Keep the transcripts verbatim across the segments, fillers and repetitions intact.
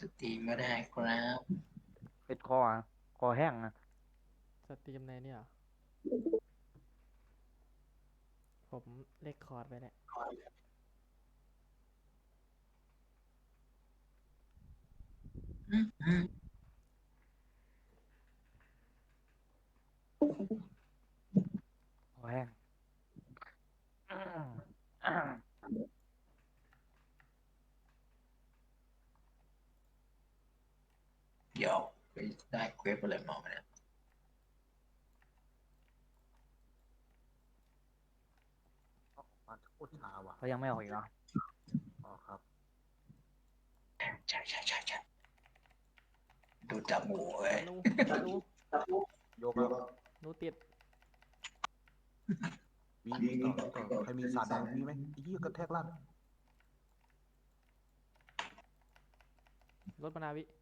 สตรีมก็ได้ครับเป็นคออะคอแห้งนะสตรีมในเนี่ยผมเลคคอร์ดไปเนี่ยอืมอืมคอแห้งอืมอืมเดี๋ยวไปได้เควสอะไรมาเนี่ยมาโคตรช้าว่ะเขายังไม่ออกอีกเหรออ๋อครับใช่ใช่ใช่ใช่ดูจับหมูเว้ยธนูธนูโยกแล้วหนูติดวีวีต่อวีต่อใครมีสาดแดงมีไหมไอ้ยี่กระแทกลั่นรถมานาวิ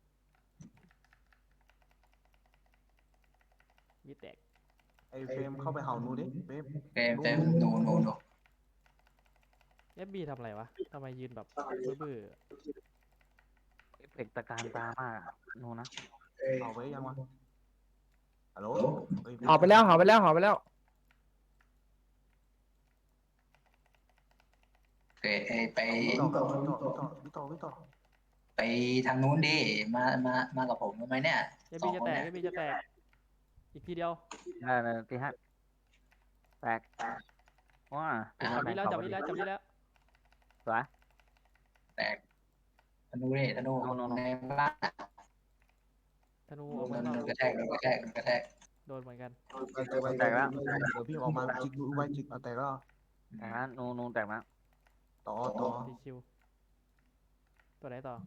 วิแตกไอ้เฟรมเข้าไปเห่านูดิเฟรมเต็มนูเต็มนูดูดูดูเอฟบีทำอะไรวะทำไมยืนแบบเบื่อเอฟเฟกต์ตะการตามากอะนูนะเห่าไปยังวะฮัลโหลเฮ้ยไม่หอไปแล้วหอไปแล้วหอไปแล้วเควสไอไปวีต่อครับวีต่อวีต่อวีต่อวีต่อไปทางนู้นดิมามามากับผมทำไมเนี่ยเอฟสองคนเนี่ยบีจะแตกเอฟบีจะแตกอีกทีเดียวได้เลยตีห้าแตกว้าตีห้าจับนี้แล้วแตกเขาพอดีจับนี้แล้วจับนี้แล้วสวยแตกธนูดิธนูโนโนโนในบ้านอะธนูออกโดนมาข้างนอกโดนกระแทกโดนกระแทกโดนกระแทกโดนเหมือนกันไปเจอไปนูแตกแล้วเจอเดี๋ยวพี่ออกมาจิกดูไว้จิกเอาแต่ก็แตกแล้วนูนูแตกแล้วต่อต่อตีคิวตัวไหนต่อ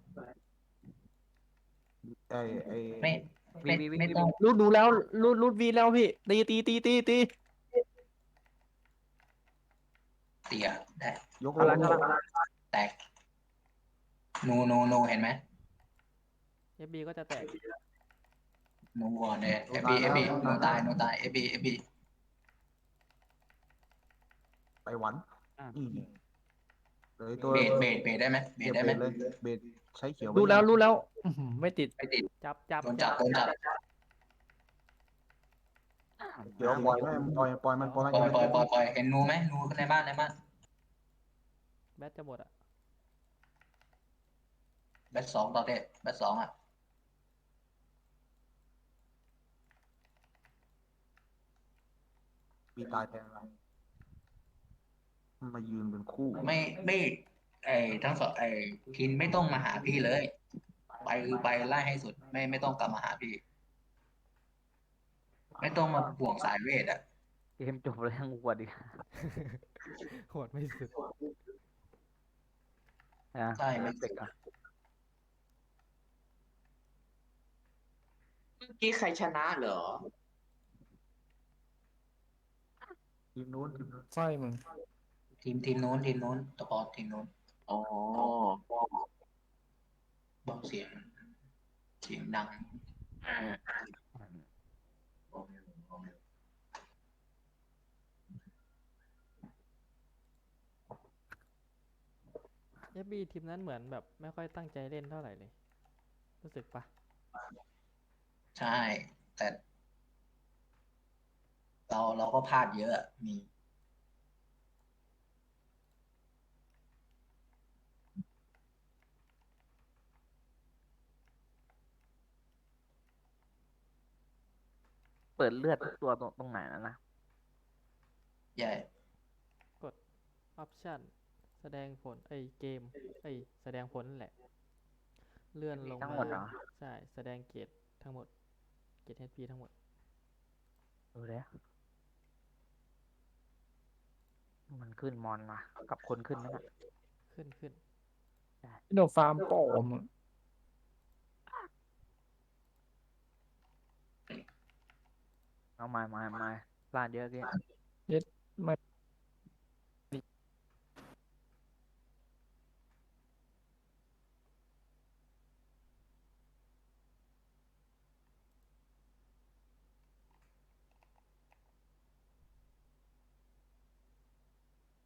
ไอ้ไอ้ไม่วีไม่วีวีวีวีไม่ต้องรูดดูแล้วรูดรูดวีแล้วพี่ตีตีตีตีตีเตียได้ยกเอาละเอาละแตกนูนูนูเห็นไหมเอฟบีก็จะแตกนูก่อนเลยนูเอฟตายแล้วบีเอฟบีนูนูตาตายแล้วยนูตายเอฟบีเอฟบีไปหวันอืมอืมเลยตัวเบดเบดเบดได้ไหมเบเก็ดได้ไหมบเบสเลยเบสใช้เขียวไปรูดยังแล้วรูดแล้วอื้อหือไม่ติดไม่ติดจับจับโดนจัจับบโดนจับเดี๋ยวปล่อยไม่ปล่อยปล่อยมันปล่อยมันปล่อยอย่าไปตีมันปล่อยปล่อยปล่อยเห็นนูไหมนูในบ้านในบ้านแบตจะหมดอ่ะแบทสองต่อเด็ดแบทสองอ่ะปีตายแทนเรามายืนเป็นคู่ไม่ไม่ไอ้ทั้งสองไอ้คินไม่ต้องมาหาพี่เลยไปคือไปไล่ให้สุดไม่ไม่ต้องกลับมาหาพี่ไม่ต้องมาห่วงสายเวทอ่ะเกมจบแล้วยังอวดอีกโหดไม่สุดนะใช่เอไม่สุดฟเฟกต์อะเมื่อกี้ใครชนะเหรอทีมนู้นทีมนู้นใช่มึงทีมทีมโน้นทีมโน้นตะปอทีมโน้นอ๋อเบาเสียงเสียงดังเอฟบีทีมนั้นเหมือนแบบไม่ค่อยตั้งใจเล่นเท่าไหร่เลยรู้สึกปะใช่แต่เราเราก็พลาดเยอะมีเปิดเลือดทุกตัวตรงตรงไหนนะนะใหญ่กดออปชั่นแสดงผลไอยเกมไอยแสดงผลนั่นแหละเลื่อนลงมาทั้งหมดเหรอใช่แสดงเกรดทั้งหมดเกรด เอช พี ทั้งหมดดูเลยมันขึ้นมอนมากับคนขึ้นไหมน่ะขึ้นขึ้นพี่โดฟาร์มโป้มึงเอามามามาพลาดเยอะเกี้เย็ดไม่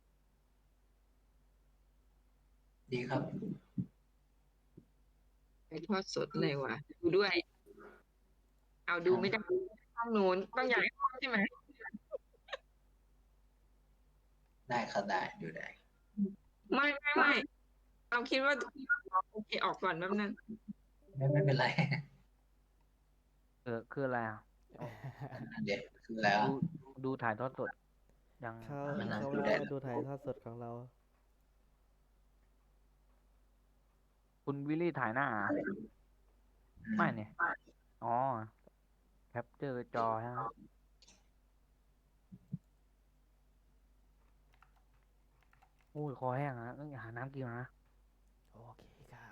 ดีครับไปทอดสดเลยวะดูด้วย เอาดูไม่ได้ห้องนู้นต้องย้ายห้องใช่ไหมได้ครับได้ดูได้ไม่ไม่ไม่เราคิดว่าโอเคออกก่อนแป๊บนึงไม่ไม่เป็นไรเออคืออะไรอ่ะเด็กคือแล้วดูดูถ่ายทอดสดยังเขามันน่าเขาดูไม่ได้มาดูถ่ายทอดสดของเราคุณวิลลี่ถ่ายหน้าอ่ะไม่เนี่ยอ๋อแคปเจอร์จอใช่ไหมโอ้ยคอแห้งอ่ะต้องหาน้ำกินก่อนนะโอเคครับ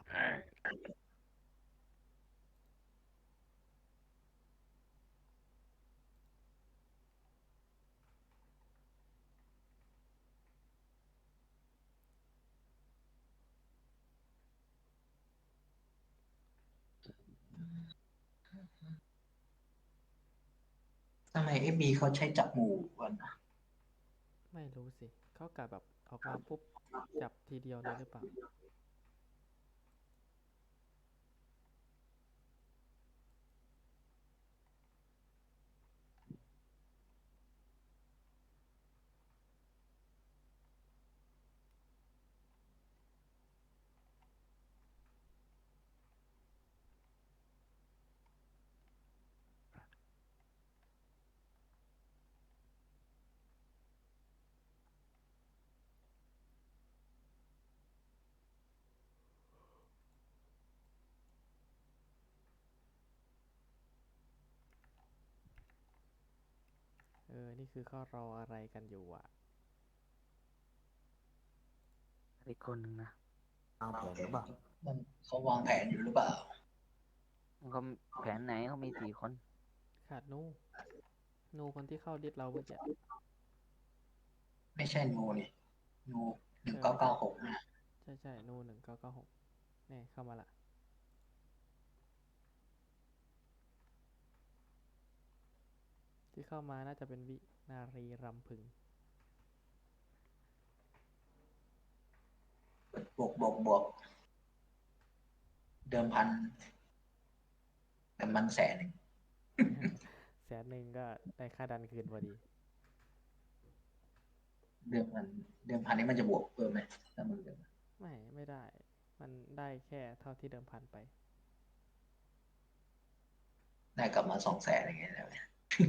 ทำไมเอฟบีเขาใช้จับหมูกันนะไม่รู้สิ เขากะแบบออกมาปุ๊บ จับทีเดียวเลยหรือเปล่า เออ นี่คือเขารออะไรกันอยู่อ่ะอีกคนหนึ่งนะเอาแผนหรือเปล่ามันเขาวางแผนอยู่หรือเปล่าเขาแผนไหนเขามีสี่คนขาดนู นูคนที่เข้าดิสเราเมื่อกี้ไม่ใช่นูนี่นูหนึ่งเก้าเก้าหกนะใช่ใช่นูหนึ่งเก้าเก้าหกนี่เข้ามาละ ที่เข้ามาน่าจะเป็นวินารีรำพึงบวกบวกบวกเดิมพันเดิมพันแสนหนึ่งแสนหนึ่งก็ได้ค่าดันคืนพอดีเดิมพันเดิมพันนี้มันจะบวกเพิ่มไหมถ้ามึงเดิมไม่ ไม่ได้ มันได้แค่เท่าที่เดิมพันไปได้กลับมาสองแสนอย่างเงี้ยแล้วเนี่ย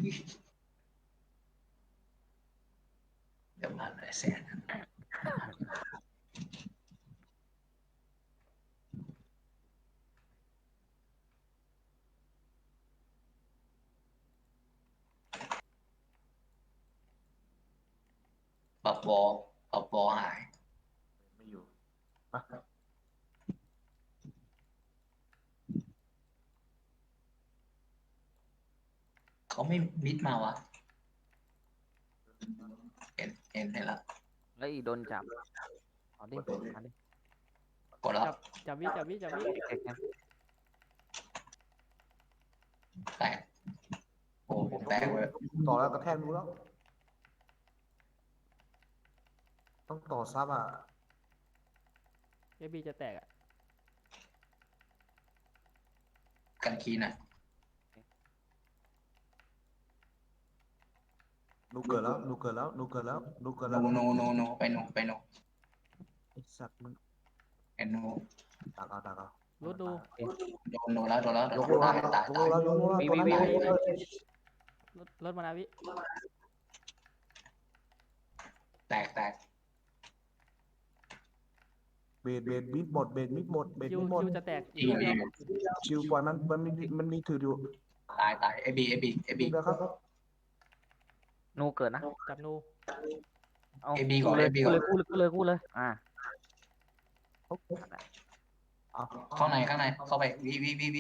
เดิมพันหลายแสนปรับบอปรับบอหายไม่อยู่เขาไม่มิดมาวะเห็นเห็นเห็นแล้วแล้วอีกโดนจับเอาดิเอาดิกดแล้วจับ จับวิจับวิจับวิเอ็กซ์แตกโอ้ผมแตกเลยต่อแล้วกระแทกรู้แล้ว ต้องต่อซับอ่ะเอบีจะแตกอ่ะกันคีน่ะนูเกิดแล้วนูเกิดแล้วนูเกิดแล้วนูเกิดโนแล้วโนโนโนไปโนไปโนไอสัตว์มันเอ็นโนดักเอาดักเอารุดดูโดนโดนแล้วโดนแล้วยกโลแล้วตายยกตายโลตายแล้วยกโลแล้วตัวนั้นตายแล้วรถรถมานาวิแตกแตกเบดเบดมิดหมดเบดมิดหมดเบดคิวมิดหมดคิวจะแตกอีกอีกชิวปล่อยมันมันมีมันมีถืออยู่ตายตายเอบีเอบีเอบีเดี๋ยวครับนูเกิดนะจับนูเอาเอบีก่อนเลยเอบีกูก่อนเลยกูเลยกูเลยกูเลยอ่าเอาเข้าในข้างในเข้าไปวิวิวิวิ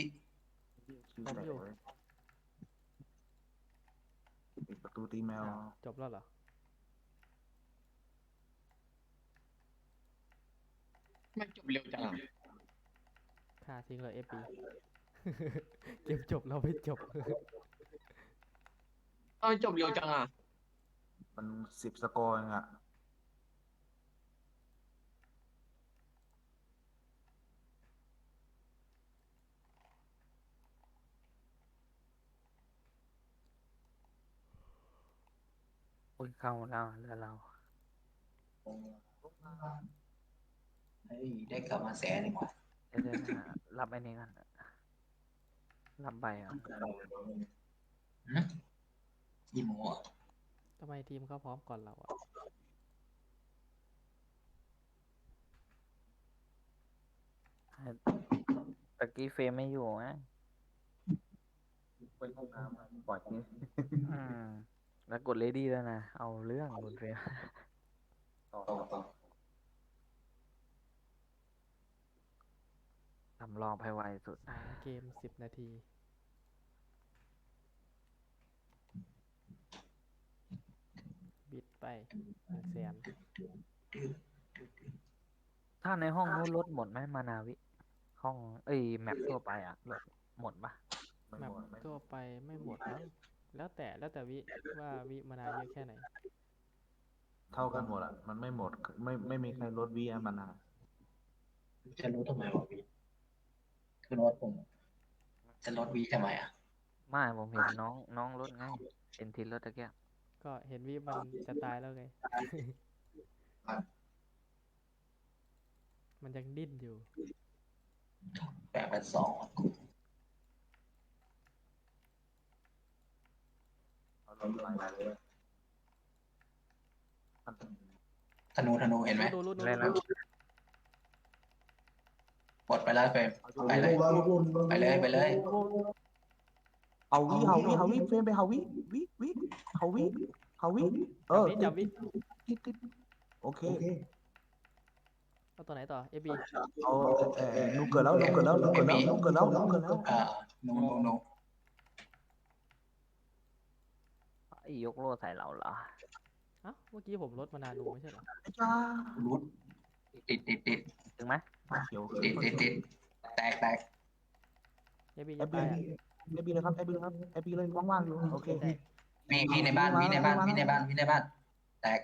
ปิดประตูตีแมวอ้าวจบแล้วเหรอมันจบเร็วจังอะค่าทิ้งเลยเอฟบี เกมจบเราไม่จบเออจบเร็วจังอ่ะมันสิบสกอร์เองอ่ะอุ้ยเข้าแล้วเรือเราเฮ้ยได้กลับมาแสนหนึ่งว่ะเดี๋ยวเดี๋ยวนะรับไอ้นี่กันรับใบอ่ะหึยี่โมอ่ะทำไมทีมเขาพร้อมก่อนเราอะตะกี้เฟรมไม่อยู่นะไปห้องน้ำอะปล่อยทิ้งอืมแล้วกดเลดี้แล้วนะ เอาเรื่องคุณเฟรมต่อต่อต่อทำรอบให้ไวสุดสามเกมสิบนาที บิดไปหนึ่งแสนถ้าในห้องนู้นลดหมดไหมมานาวิ ห้อง เอ้ยแมปทั่วไปอ่ะลดหมดปะไม่แมหปมดไม่หมทั่วดไปไม่หมดมั้งแล้วแต่แล้วแต่วิว่าวิมานานเยอะแค่ไหนเท่ากันหมดอ่ะมันไม่หมดไม่ไม่มีใครลดวีมานานจะรู้ทำไมวะพี่คือโน้ตผมจะลดวีทำไมอ่ะไม่ผมเห็นน้องน้องลดไงเอ็นทีลดตะเกียบก็เห็นวิมันจะตายแล้วไง มันยังดิ้นอยู่แปดเป็นสองเอาลดไปเลยธนูธนูเห็นไหมดูดูดูเล่นดูแล้วหมดไปแล้วเฟรมไปเลยไปเลยไปเลยเอาวิเฮาวิเฮาวิเฟรมไปเฮาวิวิวิเฮาวิเฮาวิเออจับวิติดติดโอเคเอาตัวไหนต่อเอบีเอาเออนูเกิดแล้วนูเกิดแล้วนูเกิดแล้วนูเกิดแล้วนูเกิดแล้วอ่านูนูนูไอ้ยกโล่ใส่เราเหรอเอ้าเมื่อกี้ผมลดมานานูไม่ใช่เหรอไอ้จ้ารูดติดติดติดถึงไหมเขียวติดติดติดแตกแตกเอบีเอจะบีตายอ่ะเอบีเลยครับเอบีเลยครับเอบีเลยว่างๆอยู่โอเคแตกมีมีในบ้านมีในบ้านมีในบ้านมีในบ้าน แตก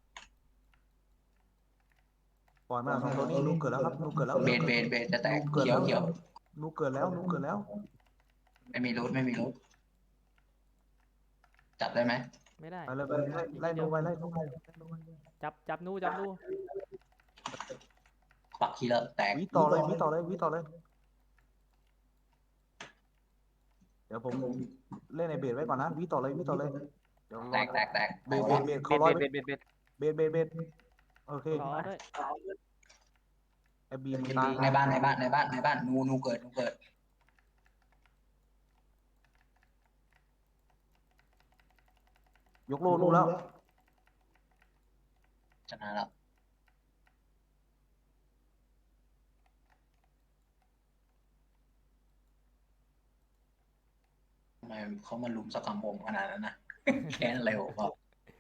ปล่อยมาสองตัวนี้นูเกิดแล้วครับนูเกิดแล้วเบนเบนเบนจะแตกเขียวเขียวนูเกิดแล้วนูเกิดแล้วไม่มีรูดไม่มีรูดจับได้ไหมไม่ได้ไปเลยไปเลยไล่นูไปไล่นูไปจับจับนูจับนูปักคีเลอร์แตกวิต่อเลยวิต่อเลยวิต่อเลย เดี๋ยวผมเล่นในเบสไว้ก่อนนะวิต่อเลยวิต่อเลยเดี๋ยวรแตอกแตกแตกเบสเบสเบสเบ็เขาดร้อยเบ็ดเบ็ดเบ็ดเบสเบสเบสโอเครอด้วยไอบีมันตายในบ้านในบ้านในบ้านในบ้านนูนูเกิดนูเกิดยกโลนูแล้วชนะแล้วทำไมเขามาลุมสกรรมผมขนาดนั้นนะ แค้นเร็วเปล่า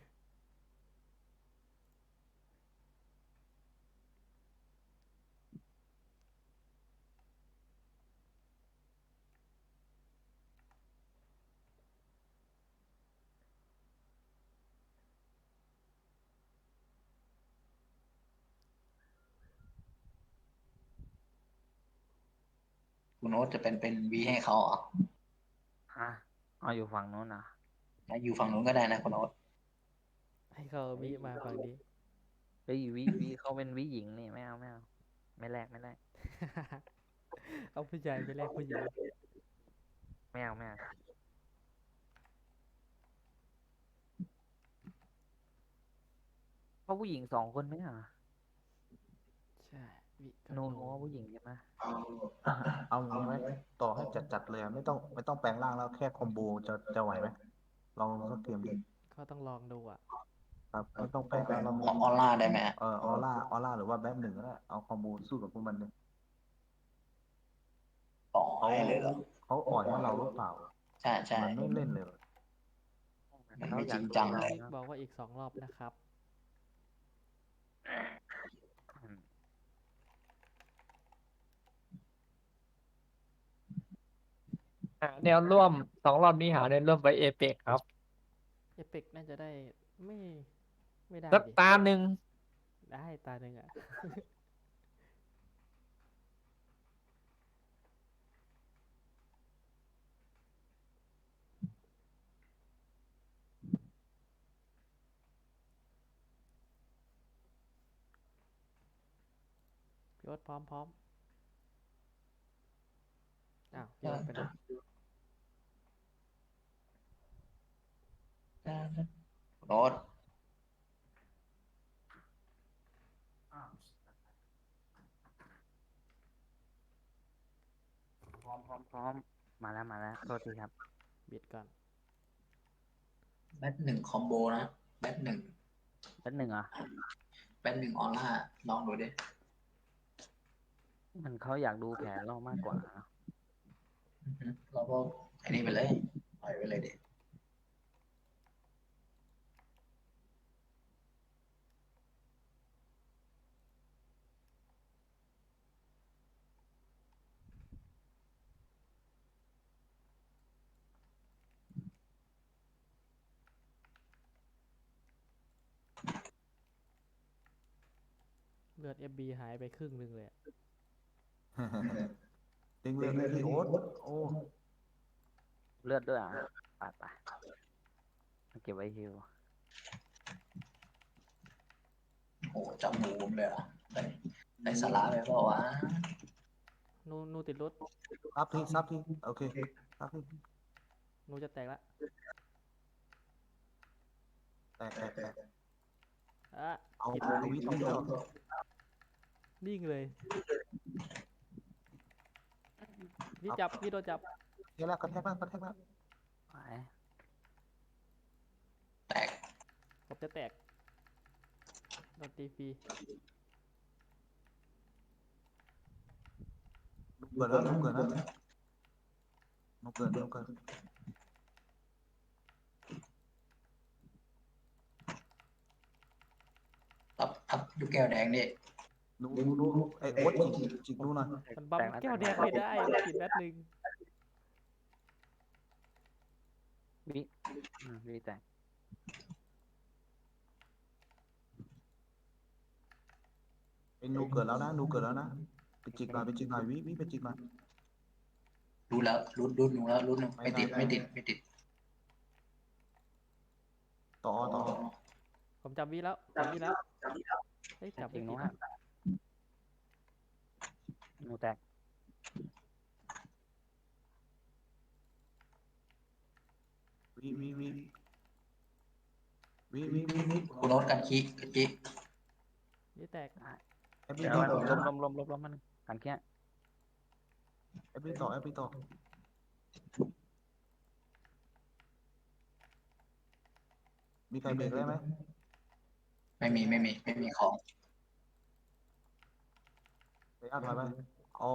คุณโน้ตจะเป็นเป็นวีให้เขาเหรอฮะเอาอยู่ฝั่งนู้นนะแล้วอยู่ฝั่งนู้นก็ได้นะคุณโน้ตให้เขาวิมาฝั่งนี้เฮ้ยวิวิเขาเป็นวิหญิงนี่ไม่เอาไม่เอาไม่แลกไม่แลกเอาผู้ชายไปแลกผู้หญิงไม่เอาไม่เอาเพราะผู้หญิงสองคนไหมอ่ะใช่วิกับนูนูนูว่าผู้หญิงใช่ไหมเอางี้ไหมต่อให้จัดจัดเลยไม่ต้องไม่ต้องแปลงร่างแล้วแค่คอมโบจะจะไหวไหมลองสักเกมดิก็ต้องลองดูอ่ะครับไม่ต้องแปลงร่างเราขอออร่าได้ไหมฮะเออออร่าออร่าหรือว่าแบทหนึ่งก็ได้เอาคอมโบสู้กับพวกมันเลยต่อเขาให้เลยเหรอเขาอ่อยให้เราหรือเปล่าใช่ใช่มันไม่เล่นเลยมันไม่จริงจังเลยวิกบอกว่าอีกสองรอบนะครับอืมหาแนวร่วมสองรอบนี้หาแนวร่วมไปเอเปกครับเอเปกน่าจะได้ไม่ไม่ได้สักดิตาหนึ่งได้ตาหนึ่งอ่ะยศพร้อมพร้อมอ้าวพี่ยศไปไหนรถพร้อมพร้อมพร้อมมาแล้วมาแล้วโทษทีครับบิดก่อนแบทหนึ่งคอมโบนะแบทหนึ่งแป๊บหนึ่งเหรอ่ะแบทหนึ่งออร่าลองดูดิมันเขาอยากดูแผนเรามากกว่านะอือฮึเราก็อันนี้ไปเลยปล่อยไปเลยดิเลือด เอฟ บี หายไปครึ่งหนึ่งเลยอะเต็งเลยเลยพี่โอ๊ตโอ้เลือดด้วยอ่ะไปไปเก็บไว้ฮิวโอ้จับหมูผมเลยเหรอ่ะได้ได้สาระไปเปล่าวะนูนูติดรถซับทีซับทีโอเคซับทีนูจะแตกละแตกแตกแตกอ่ะเอาผิดทวิตต้องแล้วนิ่งเลย พี่จับ พี่โดนจับเฮ้ยแล้วกระแทกแล้วกระแทกแล้วไปแตกผมจะแตกโดนตีฟรีนุกเกิดแล้วนุกเกิดแล้วนุกเกิดนุกเกิดอัพอัพลูกแก้วแดงดินุนุนุไอ้โอ๊ตจิกจิกนุหน่อยมันบัมแก้วแดงไม่ได้มันผิดแบตหนึ่งวิอืมวิแตกไอ้นุกเกิดแล้วนะนุกเกิดแล้วนะไปจิกหน่อยไปจิกหน่อยวิวิไปจิกหน่อยรู้แล้วรู้รู้หนูแล้วรู้หนูไม่ติดไม่ติดไม่ติดต่อต่อผมจับวีแล้วจับวีแล้วเฮ้ยจับจริไม่งผิดนู้นอะหนูแตกวิวิวิวิวิวิวิคุณโน้ตกันขี้กันขี้นี่แตกแอปปี้เดี๋ยวต่อล้มล้มล้มล้มล้มมันกันแค่แอปปี้ต่อแอปปี้ต่อมีใครเบรกได้ไหมไม่มีไม่มีไม่มีของไปอ่านถอยไปเอา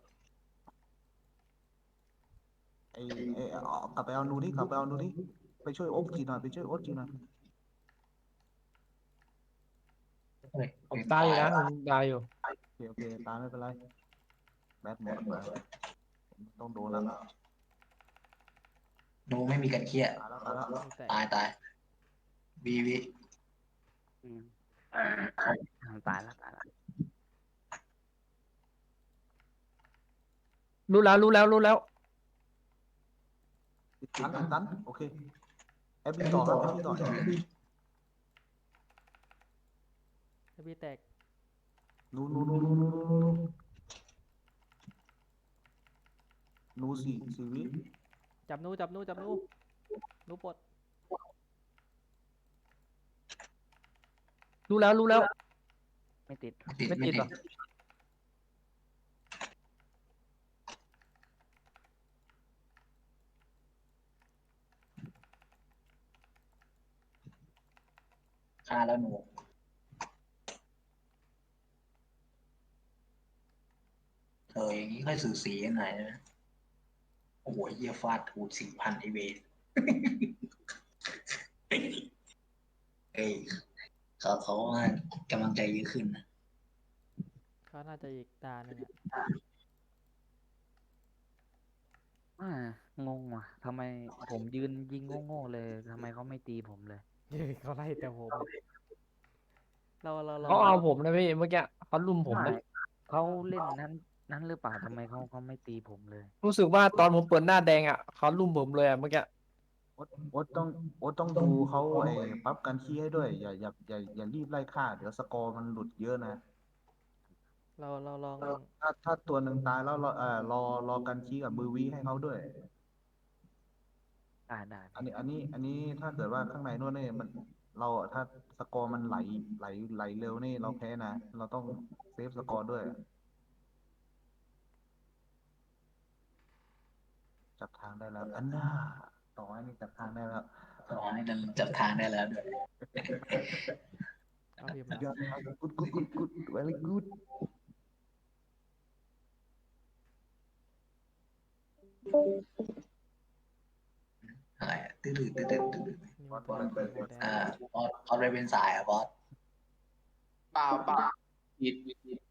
ไอ้ไอ้เอากลับไปเอานูที่กลับไปเอานูที่ไปช่วยโอ๊ตจีหน่อยไปช่วยโอ๊ตจีหน่อยเฮ้ยผมตายอยู่นะผมตายอยู่โอเคโอเคตามไม่เป็นไรแบทหมดมาต้องโดนแล้วหนูไม่มีกันเคี้ยตายแล้วตายแล้วนูแตกตายตายวีวีอืมตายแล้วตายแล้วรู้แล้วรู้แล้วรู้แล้วติดตันติดตันโอเคแอปปี้ต่อครับแอปปี้ต่อเอฟบีแตกนูนูนูนูนูนูนูนูนูสี่สี่วิจับนูจับนูจับนูนูปลดรู้แล้วรู้แล้วไม่ติดติดไม่ไม่ติดติเหรดอฆ่าแล้วหนูเธออย่างนี้ค่อยสื่อสีกันหน่อยนะโอ้โหเยี่ยฟาดถูกสี่พันไอเวน เอ้ยเขาเขาว่ากำลังใจเยอะขึ้นนะเขาน่าจะอีกตาหนึ่งอะอ่างงว่ะทำไมผมยืนยิงโง่ๆเลยทำไมเขาไม่ตีผมเลยเฮ้ยเขาไล่แต่ผมอะเราเราเราเขาเอาผมนะพี่เมื่อกี้เขาลุมผมไม่นะเขาเล่นนั้นนั้นหรือเปล่าทำไมเขาเขาไม่ตีผมเลยรู้สึกว่าตอนผมเปิดหน้าแดงอ่ะเขาลุมผมเลยอ่ะเมื่อกี้โอ๊ตโอ๊ตต้องโอ๊ตต้องดูเขาไอ้ปั๊บกันขี้ให้ด้วยอย่าอย่าอย่าอย่ารีบไล่ฆ่าเดี๋ยวสกอร์มันหลุดเยอะนะเราเราลองถ้าถ้าตัวหนึ่งตายแล้วรอเอ่อรอรอกันคีกับมือวีให้เขาด้วยได้ได้อันนี้อันนี้อันนี้ถ้าเกิดว่าข้างในนู่นนี่มันเราถ้าสกอร์มันไหลไหลไหลเร็วนี่เราแพ้นะเราต้องเซฟสกอร์ด้วย จับทางได้แล้วอันน่าต่อให้นี่จับทางได้แล้วขอให้นั้นจับทางได้แล้วด้วยเอาพิมพ์สุดยละอดกุดกุดกุดกุด very good อะไรอะตื้อตื้อตื้อตื้อตื้อนี่มันเป็นโมเดลอ่าบอสบอสไปเป็นสายอ่ะบอสเปล่าเปล่าผิดผิดผิด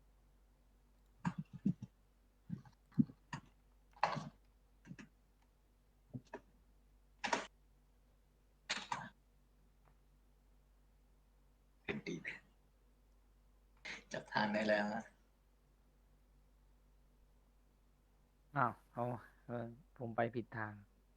เป็นดีจับทางได้แล้วนะอ้าวเอาเออผมไปผิดทาง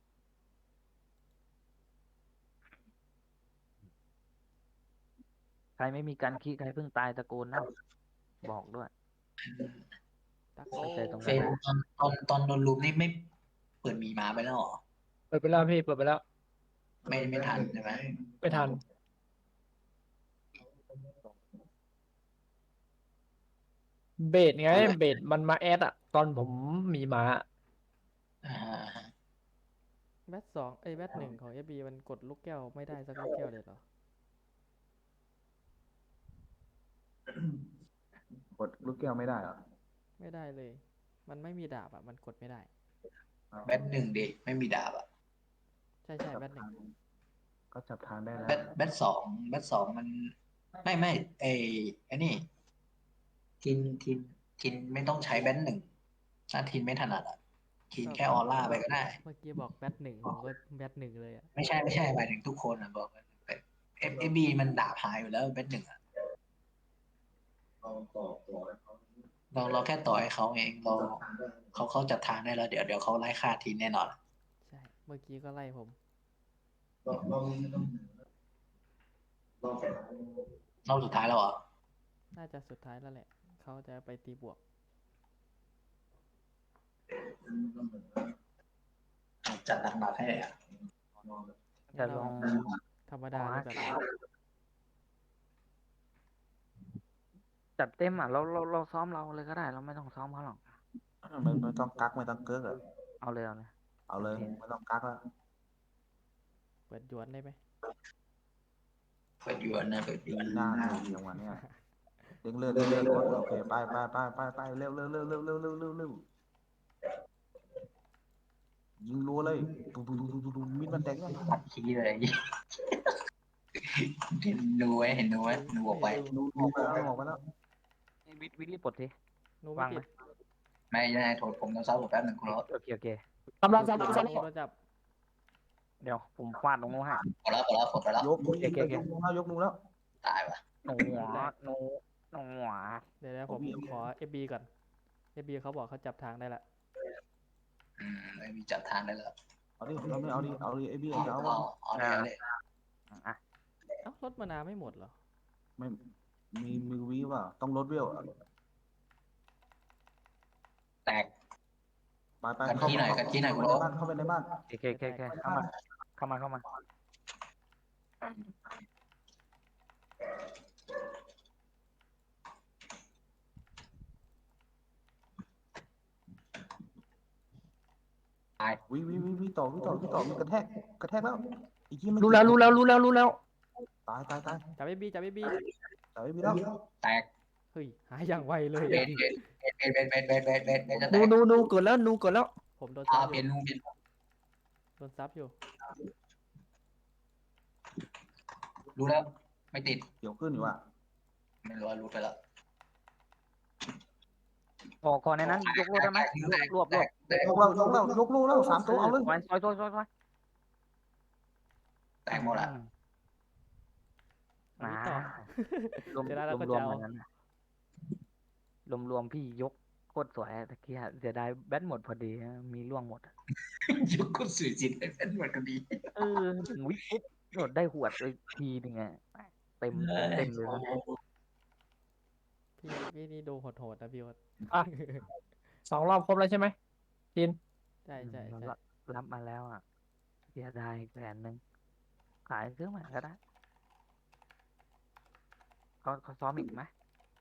ใครไม่มีการคีใครเพิ่งตายตะโกนนะบอกด้วยตักเข้าใจตรงเฟนั้นนตอนตอนตอนโดนลุมนี่ไม่เปิดหมีมาไปแล้วเหรอเปิดไปแล้วพี่เปิดไปแล้วไม่ไม่ทันใช่ไหมไม่ทัน เบสไงเบสมันมาแอดอะตอนผมมีหมาอ่าแบทสองไอ้ยแบทหนึ่งของเอฟบีมันกดลูกแก้วไม่ได้สักลูกแก้วเลยเหรอกดลูกแก้วไม่ได้เหรอไม่ได้เลย มันไม่มีดาบอ่ะมันกดไม่ได้แบทหนึ่งดิไม่มีดาบอ่ะใช่ใช่แบทหนึ่งก็จับทางได้แล้วแบทแบทสองแบทสองมัน ไม่ไม่ไอไอ้นี่ทินทินทินไม่ต้องใช้แบทหนึ่งถ้าทินไม่ถนัดอ่ะทินแค่ออร่าไปก็ได้เมื่อกี้บอกแบทหนึ่งผมก็แบทหนึ่งเลยอ่ะไม่ใช่ไม่ใช่หมายถึงทุกคนอ่ะบอกเอฟเอฟบีมันดาบหายอยู่แล้วแบทหนึ่งอ่ะเราเราแค่ต่อให้เขาเองเราเขาเขาจัดทางได้แล้วเดี๋ยวเดี๋ยวเขาไล่ฆ่าทีแน่นอนใช่ เมื่อกี้ก็ไล่ผมรอบสุดท้ายแล้วเหรอน่าจะสุดท้ายแล้วแหละ เขาจะไปตีบวกจัดหนักๆให้อ่ะจะลองธรรมดาเลยแบบจัดเต็มอ่ะเราเราเราซ้อมเราเลยก็ได้ เราไม่ต้องซ้อมเขาหรอกไม่ไม่ต้องกักไม่ต้องเกิกอะเอาเลยเอาเลยเอาเลยไม่ต้องกักแล้วเปิดหยวนได้ไหมเปิดหยวนนะเปิดดีหน้าเลยอย่างวันเนี้ยเด้งเลือดเด้งเลือดกดโอเคไปไปไปไปไปเร็วเร็วเร็วเร็วเร็วเร็วเร็วเร็วยิงรัวเลยดูดูดูดูดูมิดมันแดงยังตัดขี้เลยเห็นดูไว้เห็นดูไว้ดูออกไปดูดูไปแล้วออกไปแล้ววิวิลลี่ปลดทีหนูไม่วางติไหมดไม่ได้โทษผมต้องซับผมแป๊บหนึ่งคุณรถโอเคโอเคกำลังจะจะหนูโดนจับเดี๋ยวผมฟาดตรงนู้นให้พอแล้วพอแล้วผมไปแล้วยกมือยกมือแล้วยกมือแล้วตายว่ะหนูหัวหนูหนูหัวเดี๋ยวนะผมขอ เอฟ บี ก่อน เอฟ บี เขาบอกเขาจับทางได้ละอืมไม่มีจัดทางได้แล้วเอาดิเราไม่เอาดิเอาดิไอ้เบี้ยเอาจะเอาเอาเอาเลยเอาเลยอ่ะเอ้ารถมานาไม่หมดเหรอไม่มีมือวีว่าต้องลดเวลแตกไปไปกันที่ไหนกันที่ไหนคุณในโอ๊บ้านเข้าไปในบ้านโอเคโอเคโอเคเข้ามาเข้ามาเข้ามาวิวิวิวิต่อวิต่อวิต่อมีกระแทกกระแทกแล้วอีกทีมันรู้แล้วรู้แล้วรู้แล้วรู้แล้วตายตายตายจับ เอฟ บี จับ เอฟ บีตายไม่แล้วแตกเฮ้ย หายอย่างไวเลยเบนเบนเบนเบนเบนเบนเบนเบนจะแตนูกนูนูเกิดแล้วนูเกิดแล้วผมโดนอ่าซับอเป็นยู่ลุงเป็นโดนซับอยู่รู้แล้วไม่ติดเดี๋ยวขึ้นอยู่อ่ะไม่รู้ว่ารู้ไปแล้วขอขอในนั้นยกรวบได้ไหมรวบรวบแตกยกเรายกเรายกลูกแล้วสามตัวเอาเลยซอยซอยซอยซอยซอยแตกหมดละอันนี้ต่อรวมเดี๋ยวได้แล้วก็รวมจะๆเอาเหมือนกันนะรวมรวมๆพี่ยกโคตรสวยตะกี้อะเสียดายแบตหมดพอดีนะมีร่วงหมดอะยกคนสวยจิตให้เป็นเหมือนกันดีเออถึงวิปุ๊บโดดได้หวดเลยทีหนึงอะเต็มเต็มเลยนะพี่พี่นี่ดูโหดๆนะพี่โอ๊ตอ่ะ สองรอบครบแล้วใช่ไหมทินใช่ใช่อืมใช่รับรับมาแล้วอ่ะเสียดายแสนหนึ่งขายซื้อใหม่ก็ได้เขาเขาซ้อมอีกไหม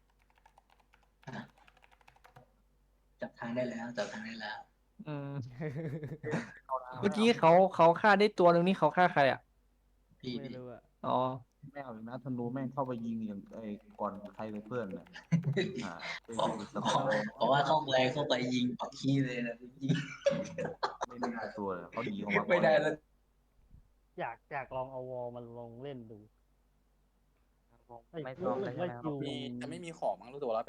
จับทางได้แล้วจับทางได้แล้วอืม เมื่อกี้เขาเขาฆ่าได้ตัวหนึ่งนี่เขาฆ่าใครอ่ะพี่ไม่พี่รู้อะอ๋อแม่เอาอีกนะธนูแม่งเข้าไปยิงอย่างไอ้ก่อนใครเลยเพื่อนเนี่ยอ่าเป็นเพราะสกอร์เพราะว่าเข้าไปเข้าไปยิงปักขี้เลยนะยิงไม่ได้ตัวเลยเขาหนีออกมาก่อนไม่ได้แล้วอยากอยากลองเอาวอลมันลองเล่นดูไม่ซ้อมเลยใช่ไหมครับคิวมีมันจะไม่มีของมั้งรู้ตัวแล้ว